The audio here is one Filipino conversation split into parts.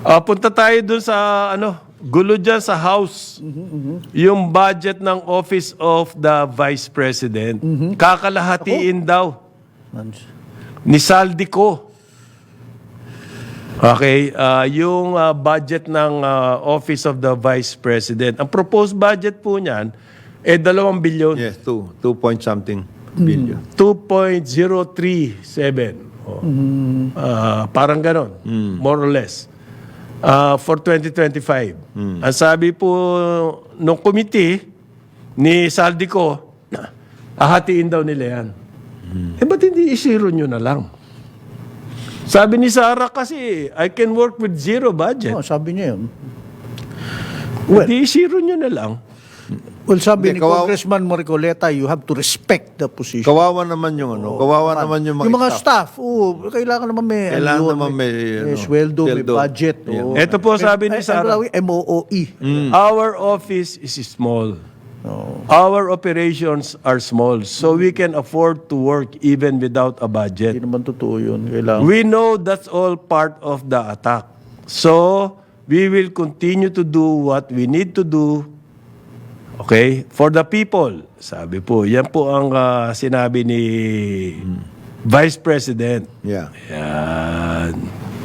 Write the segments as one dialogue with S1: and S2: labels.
S1: Punta tayo dun sa gulo dyan sa House. Yung budget ng Office of the Vice President. Kakalahatiin daw ni Saldico. Okay, yung budget ng Office of the Vice President. Ang proposed budget po niyan 2 billion.
S2: Yes, 2 point something billion.
S1: 2.037. Parang ganon, more or less. For 2025. Ang sabi po nung committee ni Saldico, hahatiin daw nila yan. Ba't hindi isiro nyo na lang? Sabi ni Sara kasi, I can work with zero budget.
S3: Sabi niya yun.
S1: Hindi isiro nyo na lang.
S3: Well, sabi
S2: Hindi,
S3: ni Congressman Moricoleta, you have to respect the position.
S2: Kawawa naman yung kawawa naman yung
S3: mga staff. Kailangan naman may may sweldo, may budget.
S1: Ito po sabi ni Sara,
S3: MOOE.
S1: our office is small. Our operations are small, so we can afford to work even without a budget.
S3: Hindi naman totoo yun. Kailangan.
S1: We know that's all part of the attack. So, we will continue to do what we need to do, okay, for the people. Sabi po, yan po ang sinabi ni Vice President.
S2: Yeah.
S1: Yan.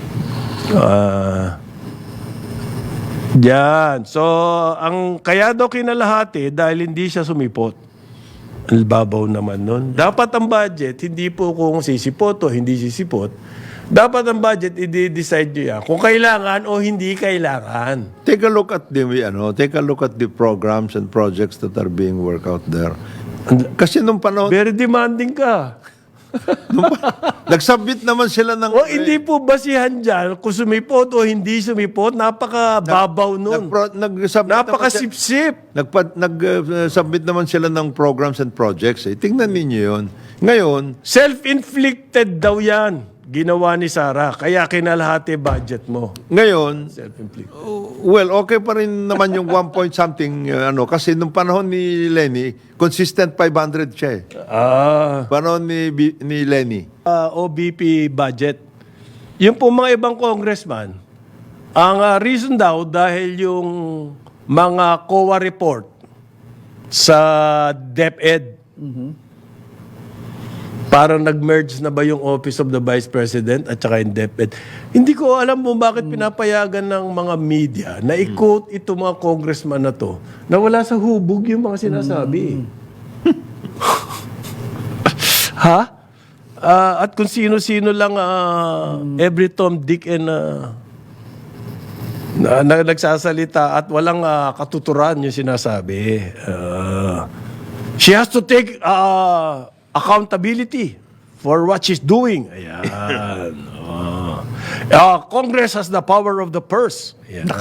S1: Yan. So, ang kaya daw kinalahati dahil hindi siya sumipot. Ang babaw naman nun. Dapat ang budget, hindi po kung sisipot o hindi sisipot. Dapat ang budget, i-decide nyo yan. Kung kailangan o hindi kailangan.
S2: Take a look at the programs and projects that are being worked out there. Kasi nung panahon,
S1: Very demanding ka.
S2: nagsubmit naman sila ng
S1: O hindi po basihan dyan kung sumipot o hindi sumipot. Napaka-babaw nun. Napaka-sip-sip.
S2: Nag-submit naman sila ng programs and projects. Tingnan ninyo yun. Ngayon,
S1: Self-inflicted daw yan. Ginawa ni Sara. Kaya kinalahati budget mo.
S2: ngayon,
S1: Self-inflicted.
S2: well, okay pa rin naman yung 1 point something, kasi nung panahon ni Lenny, consistent 500 siya eh. Panahon ni Lenny.
S1: OBP budget. Yung po mga ibang congressman, ang reason daw dahil yung mga COA report sa DepEd, parang nag-merge na ba yung Office of the Vice President at saka yung DepEd. Hindi ko alam mo bakit pinapayagan ng mga media na i-quote ito mga congressman na to na wala sa hubog yung mga sinasabi. Ha? At kung sino-sino lang every Tom, Dick and na nagsasalita at walang katuturan yung sinasabi. She has to take accountability for what she's doing. Ayan. Congress has the power of the purse. Ayan.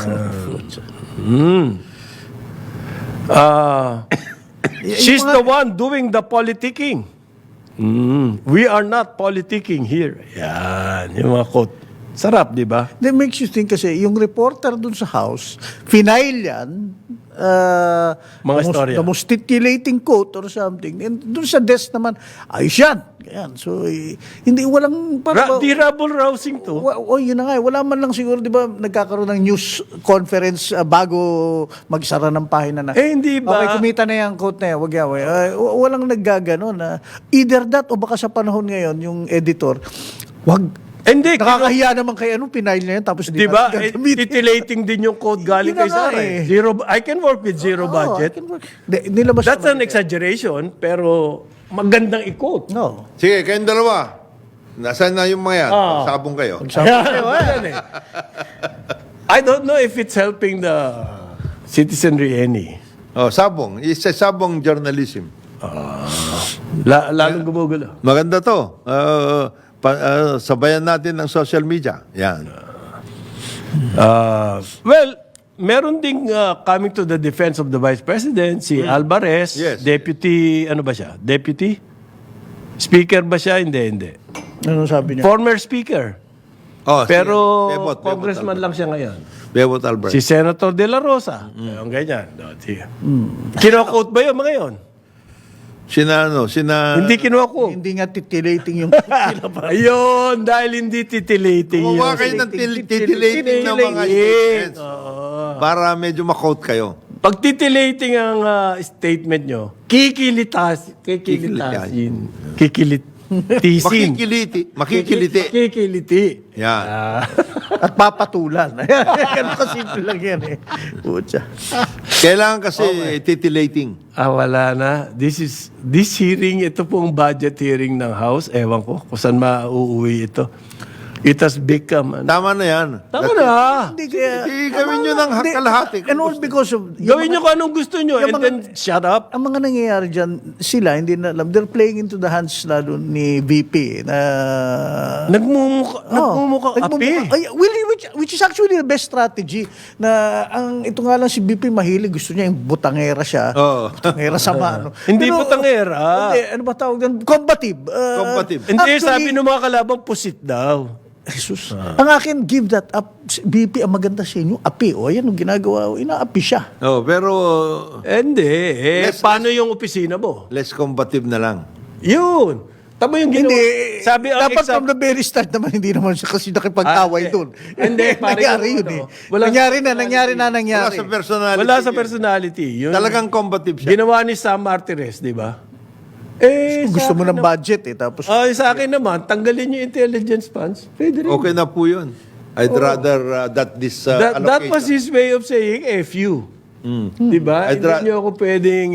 S1: She's the one doing the politicking. We are not politicking here. Yan, yung mga quote. Sarap, di ba?
S3: That makes you think kasi, yung reporter dun sa House, final yan,
S1: Mga storya.
S3: the most titillating quote or something. And dun sa desk naman, ayos yan. Ganyan. So, hindi, walang...
S1: Di rabble-rousing to.
S3: Yun na nga. Wala man lang siguro, di ba, nagkakaroon ng news conference bago magsara ng pahina na.
S1: Hindi ba?
S3: Okay, kumita na yung quote na yan. Wag yaw. Walang naggaganon. Either that o baka sa panahon ngayon, yung editor, wag.
S1: Hindi.
S3: Nakakahiya naman kay pinail na yan. Tapos
S1: Di ba? Titillating din yung quote galing
S3: Yun na
S1: kay Sara.
S3: nga
S1: Zero, I can work with zero budget.
S3: Nilabas
S1: That's an exaggeration, pero magandang i-quote.
S3: No.
S2: Sige, kayong dalawa. Nasaan na yung mga yan? Sabong kayo.
S1: I don't know if it's helping the citizenry any.
S2: Sabong. It's a sabong journalism.
S1: Lalong gumugulo.
S2: Maganda to. Sabayan natin ng social media. Yan.
S1: Well, meron ding coming to the defense of the Vice President, si Alvarez,
S2: Yes.
S1: deputy, ano ba siya? Deputy? Speaker ba siya? Hindi.
S3: Ano sabi niya?
S1: Former speaker. Pero
S2: Bebot
S1: congressman lang siya ngayon.
S2: Bebot Alvarez.
S1: Si Senator De La Rosa. Ang ganyan. Kinokot ba yun mga yun? Hindi kinuha ko.
S3: Hindi nga titillating yung pinapalabas.
S1: Ayun, dahil hindi titillating yun.
S2: Gumawa kayo ng titillating ng mga statements. Para medyo makot kayo.
S1: Pag titillating ang statement nyo, kikilitasin. Kikilitisin.
S2: Makikiliti. Yan.
S3: At papatulan. Ganun kasimple lang yan eh. Pucha.
S2: Kailangan kasi titillating.
S1: Wala na. This hearing, ito pong budget hearing ng House. Ewan ko kung saan mauuwi ito. It has become...
S2: Tama na yan.
S1: Tama na.
S3: Hindi kaya...
S2: Gawin nyo ng kalahati.
S3: And all because of...
S1: Gawin nyo kung anong gusto nyo and then shut up.
S3: Ang mga nangyayari dyan, sila, hindi na alam. They're playing into the hands lalo ni VP na...
S1: Nagmumukha api.
S3: Which is actually the best strategy na ito nga lang si VP mahilig. Gusto niya yung butangera siya.
S2: Oo.
S3: Butangera sama. Ano.
S1: Hindi putangera.
S3: Hindi, ano ba tawag yan? Combative.
S2: Combative.
S1: Hindi,
S3: Actually,
S1: sabi ng mga kalabang, pusit daw.
S3: Jesus. Ang akin, give that up. BP, ang maganda sa inyo, api. O, ayan, ang ginagawa, inaapi siya.
S2: Pero
S1: Hindi. Paano yung opisina mo?
S2: less combative na lang.
S1: Yun. Tama yung ginawa.
S3: Hindi.
S1: Sabi ang
S3: dapat from the very start naman, hindi naman siya kasi nakipag-away doon.
S1: Hindi, pare,
S3: nangyari yun eh. Nangyari na.
S2: Wala sa personality.
S1: Wala sa personality. Yun.
S2: Talagang combative siya.
S1: Ginawa ni Sam Martires, di ba?
S3: Gusto mo ng budget eh. Tapos,
S1: Sa akin naman, tanggalin yung intelligence funds. Pwede rin.
S2: Okay na po yun. I'd rather that this
S1: That
S2: allocation.
S1: was his way of saying F you. Di ba?
S2: I'd
S1: Hindi nyo ako pwedeng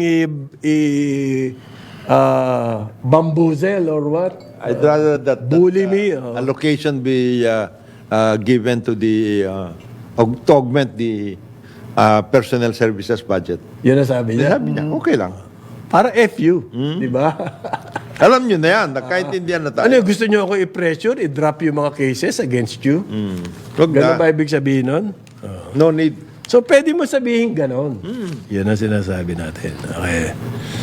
S1: bamboozle or what?
S2: I'd rather that
S1: Bully me.
S2: allocation be given to the to augment the personnel services budget.
S1: Yun ang sabi niya.
S2: Sabi niya, okay lang.
S1: Para F you. Di ba?
S2: Alam niyo na yan, nagkaintindihan na tayo.
S1: Ano yung gusto nyo ako i-pressure, i-drop yung mga cases against you?
S2: Wag
S1: Ganun
S2: na.
S1: ba ibig sabihin nun?
S2: No need.
S1: So, pwede mo sabihin ganon. Yan ang sinasabi natin. Okay.